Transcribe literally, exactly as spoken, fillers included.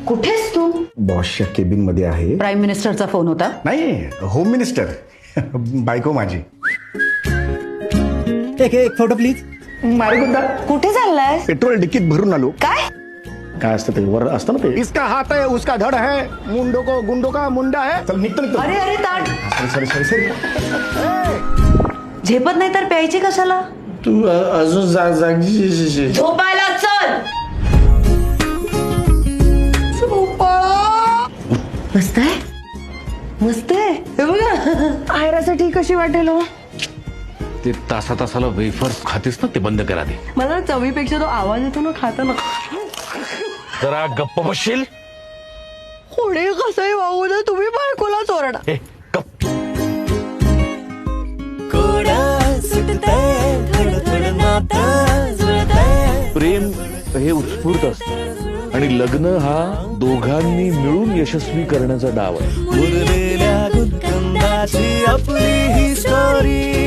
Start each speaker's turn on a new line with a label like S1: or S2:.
S1: कुठेस तू?
S2: बॉसच्या केबिन मध्ये आहे.
S1: प्राईम मिनिस्टरचा फोन होता.
S2: नाही, होम मिनिस्टर. बायको माझी.
S3: एक एक फोटो प्लीज.
S2: मारेगुंडा.
S1: कुठे चाललाय?
S2: पेट्रोल डिकीत भरून आलो.
S1: काय?
S2: काय असतं ते वर असतं ना ते. इसका हात है उसका धड है, मुंडो को गुंडो का मुंडा है. चल निघतो निघतो.
S1: अरे अरे ताट.
S2: Sorry sorry sorry.
S1: झेपत नाही तर प्यायची कशाला?
S3: तू अजून जाग जागी.
S1: झोपायला चल. मस्त आहे, मस्त आहे. हे बघा आयरासाठी कशी वाटेल हो.
S4: ते तासा तासाला वेफर्स खातेस ना, ते बंद करा दे.
S1: मला चवीपेक्षा तो आवाज येतो ना खाताना.
S4: जरा गप्प बसशील.
S1: कोणी कसंही वागू दे, तुम्ही बायकोला चोरडा.
S4: ए गप्प. प्रेम हे उत्स्फूर्त असतं आणि लग्न हा दोघांनी मिळून यशस्वी करण्याचा डाव आहे.
S5: उरलेल्या गुदगंधाची आपली ही स्टोरी.